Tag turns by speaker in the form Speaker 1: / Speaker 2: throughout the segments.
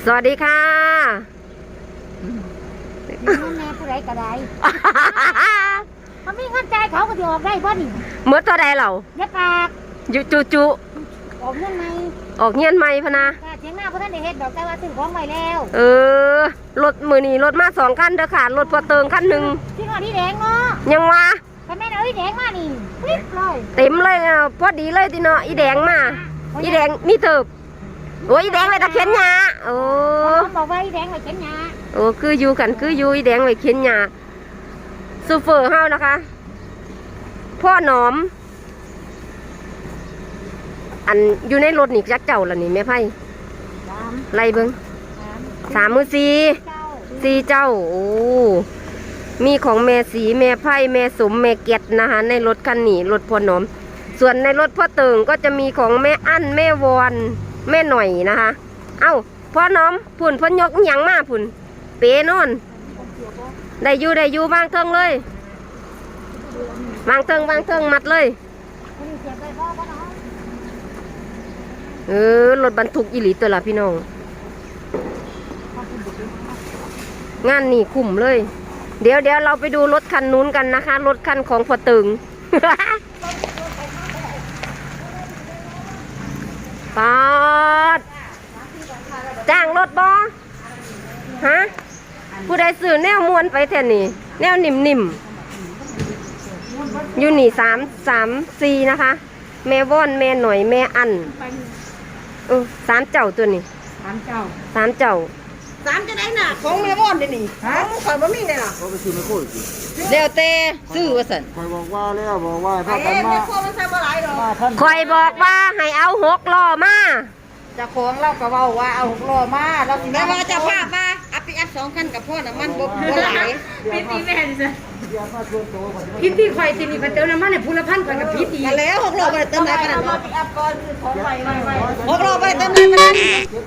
Speaker 1: สวัสดีค่ะ
Speaker 2: แม่ผู้ใดก็ได้มันมีเงินใจเขาก็จะออกได้บ่นี่
Speaker 1: เมื่อตัวใดเรา
Speaker 2: อย่าปาก
Speaker 1: อยู่จุ
Speaker 2: ออกเงินไหม
Speaker 1: ออกเงียนไหมพนะ
Speaker 2: เถียงหน้าเพราะท่านได้เฮ็ดดอกแต่ว่าซื้อของไว้แล้ว
Speaker 1: รถมือนี่รถมา2 คันเด้อค่ะรถพอเติงคันหนึ่ง
Speaker 2: ที่ก่อนที่แดงเนาะ
Speaker 1: ยังวะ
Speaker 2: แต่แม่เอาอีแดงมานี่ปิ๊บเลย
Speaker 1: เต็มเลยพอดีเลยทีเนาะอีแดงมาอีแดงมีเติบโอ้ยอีแดงไปตะเข็นหญ้าโอ้
Speaker 2: บอกว่าอีแดงไปเข็นหญ้า
Speaker 1: โอ้คืออยู่กันคืออยู่อีแดงไปเข็นหญ้าซูเฟอร์เฮานะคะพ่อหนอมอันอยู่ในรถนี่จักเจ้าล่ะนี่แม่ไพ่ไล่เบิ้ง3 มือ4 เจ้าโอ้มีของแม่สีแม่ไพ่แม่สมแม่เก็ดนะคะในรถคันนี้รถพ่อหนอมส่วนในรถพ่อเติงก็จะมีของแม่อั้นแม่วอนแม่หน่อยนะคะเอ้าพ่อหนอมพุ่นพ่อยกหยังมาพุ่นเป๋นอนได้อยู่บางเทิงเลยบางเทิงมัดเลยรถบรรทุกอิหลีตัวละพี่น้องงานนี่คุ้มเลยเดี๋ยวเราไปดูรถคันนู้นกันนะคะรถคันของพ่อตึง ปอดจ้างรถบอฮะผู้ใดซื้อแนวม้วนไปแทนนี่แนวนิ่มอยู่นี่3 4นะคะแม่ว่อนแม่หน่อยแม่อัน3 เจ้าตัวนี้3 เจ้า
Speaker 3: 3จะได้น่ะของแม่ว่อนเดี๋ยวนี้ของข่อยบ่มีได้ล่ะ
Speaker 4: เขาไปซื้อไมโครอีก
Speaker 1: แล้วแต่ซื้อว่าซั่น
Speaker 4: ข่อยบอกว่าถ้ากันมา
Speaker 3: แม่โคมันใส่บ่หลายดอก
Speaker 1: ข่อยบอกว่าให้เอา6 ล้อมา
Speaker 3: เจ้าของเราก็เว้าว่าเอา6ล้อมาเราสิแม่ว่าเจ้าภาพมาเอาปิกอัพ2คันกับพ่อน่ะมันบ่หลาย
Speaker 2: พี่ตีแม่ดิซะ
Speaker 4: เดี๋ยวมาชวนโตก่อน
Speaker 2: พี่ตีข่อยสินี่เพิ่นเติมน้ำมันให้ผู้ละ1,000กับพี่ตี
Speaker 3: มาแล้ว6ล้อบ่ได้เติมได้ปานนั้นเนาะปิกอัพก่อนคือของใหม่6ล้อบ่ได้เติมได้ปานนั้น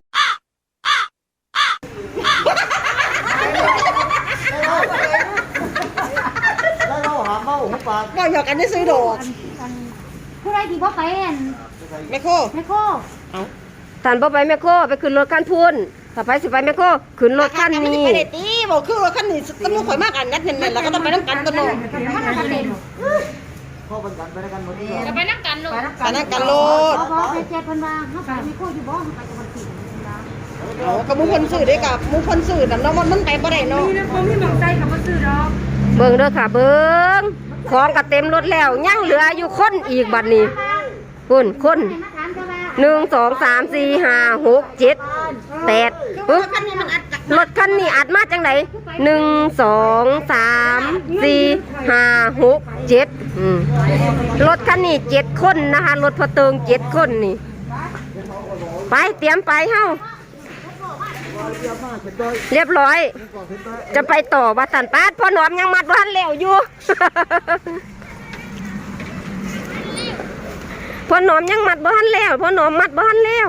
Speaker 4: แล้วเราหาเมาหูปาก
Speaker 3: บ่หยอกกันได้ซื้อดอก
Speaker 2: ผู้ใดที่บ่ไป
Speaker 3: แม่โค
Speaker 1: ท่านบ่ไปแม่โคไปขึ้นรถคันพูนถ้าไปสิไปแม่โคขึ้นรถคันนี้
Speaker 3: ไปได้ติบ่คือรถคันนี้ตำรวจข่อยมากอันนัดแน่นๆแล้วก็ต้องไปนำกันตัวเนาะ
Speaker 4: พ่อเป็นกันไปด้วยกันหมดนี่
Speaker 2: จะไปนั่งกันลูก
Speaker 3: ไปนั่งกันโลด
Speaker 2: บ่ไปเจ็บเพิ่นว่าเฮาไปมีคู่อยู่บ่เฮาไปจังหวัดศรี
Speaker 3: กับมุคนซื้อได้กับมุคนซื้อน้ำมันไปบ่ได้เนาะ
Speaker 2: บ่มีหม่องใจกับบ่ซื้อดอก
Speaker 1: เบิ่งเด้อค่ะเบิ่งของก็เต็มรถแล้วยังเหลืออยู่คนอีกบัดนี้คน1 2 3 4 5 6 7 8รถคันนี้อัดมาจังไหน1 2 3 4 5 6 7รถคันนี้7 คนนะคะรถพอเติง7 คนนี่ไปเตรียมไปเฮ้าเรียบร้อยจะไปต่อวัดสันปาดพ่อหนอมยังมัดบ้านแล้วอยู่ พ่อหนอมยังมัดบ้านแล้วพ่อหนอมมัดบ้านแล้ว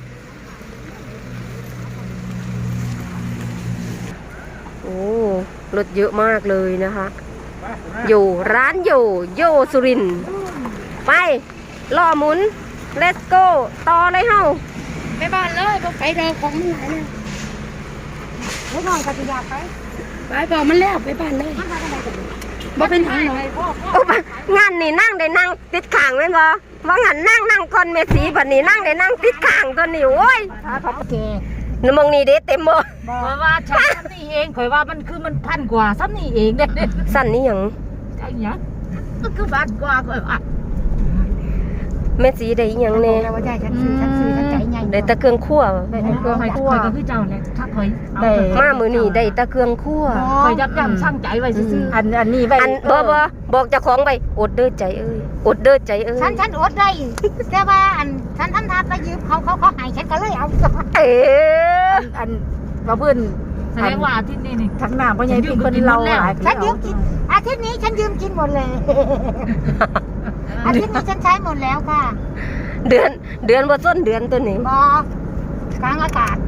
Speaker 1: โอ้รถเยอะมากเลยนะคะอยู่ร้านโยสุรินทร์ไปล่อหมุน let's go ต่อเลยเฮ้า
Speaker 2: ไปบ้านเลยบ่ไปเด้อของมันหลายแล้วบ่นอนก็สิอยากไปบอกมันแล้วไปบ้านเลยบ่เป็นทางหรอก
Speaker 1: งานนี่นั่งได้นั่งติดข้างแม่นบ่ว่างั้นนั่งก่อนแม่สีบัดนี้นั่งได้นั่งติดข้างตัวนี้โอ้ย
Speaker 2: เขาโอเค
Speaker 1: น้ำมองนี่เด้เต็มบ่
Speaker 2: ว่าฉันนี่เองข่อยว่ามันคือมันพันกว่าซ้ำนี่เองเด้
Speaker 1: สั่นนี่หยัง
Speaker 2: จังหยังก็คือบาทกว่าข่อยว่า
Speaker 1: แม่สีได้หยังแน่
Speaker 2: ว่าใช่ฉันซื้อฉันใจใหญ่
Speaker 1: ได้ตะเครื่องคั่ว
Speaker 2: ได้เครื่องคั่วก็คือเจ้าแหละถ้าข่อย
Speaker 1: ได้มามื้อนี้ได้ตะเครื่องคั่ว
Speaker 2: ข่อยยับยั้งชั่งใจไว้ซื่ออันนี้ไว้
Speaker 1: บ่บอกเจ้าของไว้อดเด้อใจเอ้ยอดเด้อใจเอ้ย
Speaker 2: ฉันอดได้แต่ว่าฉันทำท่าไปยืมเขาให้ฉันก็เลยเอาอันว่าเพิ่นแสดงว่าอาทิตย์นี้นี่ทั้งหน้าพ่อใหญ่พี่คนเราหลายฉันยืมกินอาทิตย์นี้ฉันยืมกินหมดเลยอาทิตย์นี้ฉันใช้หมดแล้วค่ะ
Speaker 1: เดือนบ่ส้นเดือนตัวนี้
Speaker 2: บ่กลางอากาศ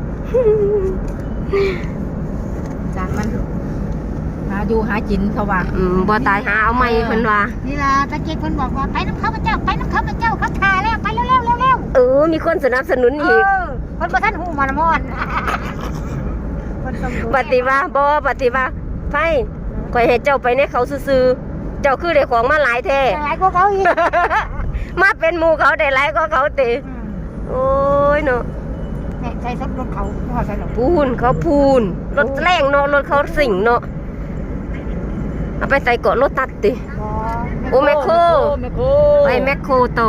Speaker 2: จากมันหาอยู่หากินเขาว่า
Speaker 1: บ่ตายหาเอาใหม่เพิ่นว่า
Speaker 2: นี่ล่ะตะกี้เพิ่นบอกว่าไปน้ำข้าพเจ้าเขาทาแล้วไปเร็ว
Speaker 1: มีคนสนับสนุนอีก
Speaker 2: เพิ่นบ่ทันฮู้มานำอน
Speaker 1: ปฏิว่าบ่ปฏิว่าไผข่อยให้เจ้าไปในเขาซื่อๆเจ้าคือได้ของมาหลายแท้
Speaker 2: หลายกว่าเขาอีก
Speaker 1: มาเป็นหมู่เขาได้หลายกว่าเขาติโอ้ยเนาะ
Speaker 2: เนี่ยใช้ซับรถเขาไม่ว่าใช่หรอก
Speaker 1: พูนเขาพูนรถแรงเนาะรถเขาสิ่งเนาะเอาไปใส่เกาะรถตัดติโอ้แมคโครไปแมคโครต่อ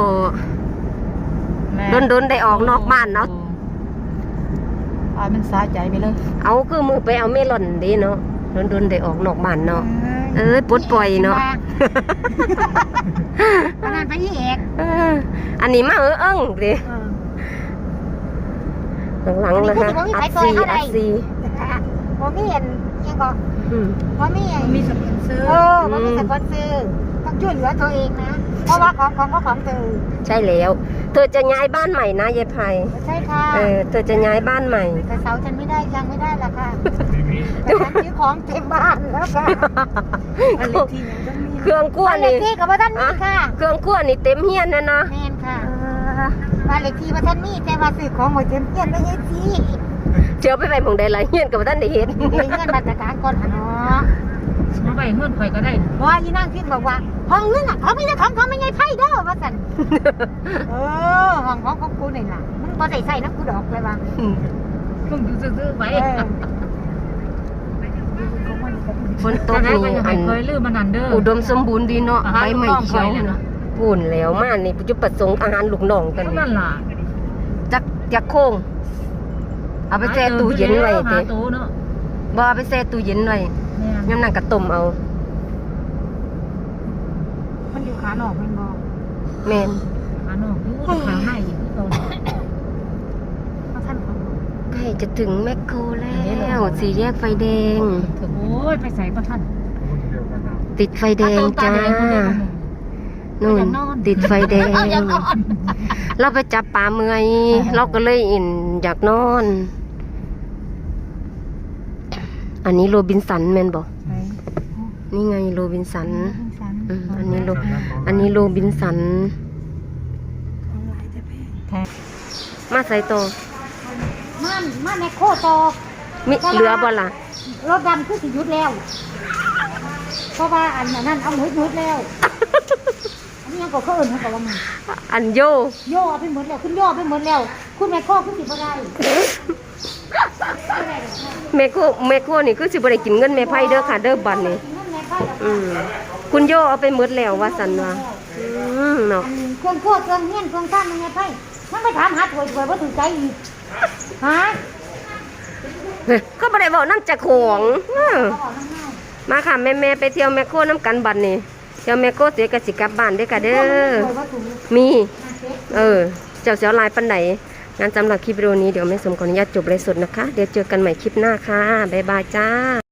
Speaker 1: โดนได้ออกนอกบ้านเนาะ
Speaker 2: มันสาใจไปเลย
Speaker 1: เอาคือมือไปเอาเมลอนดีเนาะโดนได้ออกนอกบ้านเนาะปลดปล่อยเนาะ
Speaker 2: ขนาดไปยี่เอก
Speaker 1: อันนี้มาเอิ้งดิหลังๆเลยนะอัดซี
Speaker 2: ผมมีเห็นยังก็ผมมีสปอนเซอร์ผมมีสปอนเซอร์ต้องช่วยเหลือตัวเองนะเพราะว่าของเธอ
Speaker 1: ใช่แล้วเธอจะย้ายบ้านใหม่นะยายไพ
Speaker 2: ใช่ค่ะ
Speaker 1: เธอจะย้ายบ้านใหม่
Speaker 2: แต่เสาฉันไม่ได้ยังไม่ได้ละค่ะแต่ฉันซื้อของเต็มบ้านแล้วค่ะ
Speaker 1: เครื่องกล้วย
Speaker 2: บ้านเล
Speaker 1: นี่
Speaker 2: ขที่กับว่าท่านมีค่ะ
Speaker 1: เครื่องกล้วยนี่เต็มเฮียนนะเนาะ
Speaker 2: แม่นค่ะบ้านเลขที่ว่าท่านมีแต่ว่าซื้อของหมดเต็มเฮียนไม่ใช่สิ
Speaker 1: เชื่อไปหมองใดละเฮียนกับท่านได้เห็น
Speaker 2: เฮียนมาตรการก่อนค่ะเนาะ
Speaker 3: มาไปเงื่อนไขก็ได้
Speaker 2: ว่าอีนั่งคิดบอกว่าห้องนึงอ่ะเขาไม่ได้ของเขาไม่ไงไพ่เด้อว่าสั่นห้องของกูนี่ล่ะมึงพอใส่น้ำกูดอกเลยว่า
Speaker 3: เพิ่งอยู่ซื่อๆไว้
Speaker 1: ฝนตกนี่อัน
Speaker 3: เคยลืมมันนันเด้อ
Speaker 1: อุดมสมบูรณ์ดีเนาะใบไม้เขียวปุ่นแล้วมานี่จุดประสงค์อาหารลูกน้องกัน
Speaker 3: นั่นล่ะ
Speaker 1: จักโค้งเอาไปแช่ตู้เย็นไว้
Speaker 3: หา
Speaker 1: ติ
Speaker 3: ตู้เนาะ
Speaker 1: บ่เอาไปแช่ตู้เย็นไว้
Speaker 3: แม่
Speaker 1: ยามนั้นก็ต้มเอา
Speaker 2: มันอยู่ขาหนอกมันบอก
Speaker 1: แม่น
Speaker 3: หานอกอยู่ขาให้อีกตอน
Speaker 2: เขาท่านเขาบอก
Speaker 1: ใกล้จะถึงแมคโครแล้วสี่แยกไฟแดง
Speaker 3: โอ้ยไปใส่ประทัน
Speaker 1: ติดไฟแดงจ้านู่นติดไฟแดง เราไปจับปลาเมื่อยเราก็เลยอยากนอน อันนี้โรบินสันแมนบอกนี่ไงโรบินสันอันนี้โรบินสันมาใส่โต
Speaker 2: มันในโคโต
Speaker 1: มิเหลือบ่ล่ะ
Speaker 2: รถดำคือสิยุดแล้ว เพราะว่าอันนั้นเอายุดแล้ว อันนี้ยังก็เขาเอิญเขาบอกว่ามึง
Speaker 1: อันโย
Speaker 2: โย่เอาไปหมดแล้วคุณโย่ไปหมดแล้ว คุณแม่ข้อคุณสิบ่ได้
Speaker 1: แม่โคนี่คือสิบ่ได้กินเงินแม่ไพ่เด้อค่ะเด้อบัดนี้
Speaker 2: นั่นแม่ข้อ
Speaker 1: คุณโยเอาไปหมดแล้วว่าสันว่าเนาะ
Speaker 2: เครื่องคั่วเครื่องเงี้ยนเครื่องท่านยังไงไพ่มันไปถามหาถวยว่าถึงใจอีกฮะ
Speaker 1: ก็บ่ได้บอกน้ำจากของมาค่ะแม่ไปเที่ยวแมคโครน้ำกันบัดนี้เที่ยวแมคโครเสียกสิกลับบ้านเด้อค่ะเด้อมีเจ้าเสียวลายปันไหนงานสำหรับคลิปวิดีโอนี้เดี๋ยวแม่สมขออนุญาตจบเลยสดนะคะเดี๋ยวเจอกันใหม่คลิปหน้าค่ะบ๊ายบายจ้า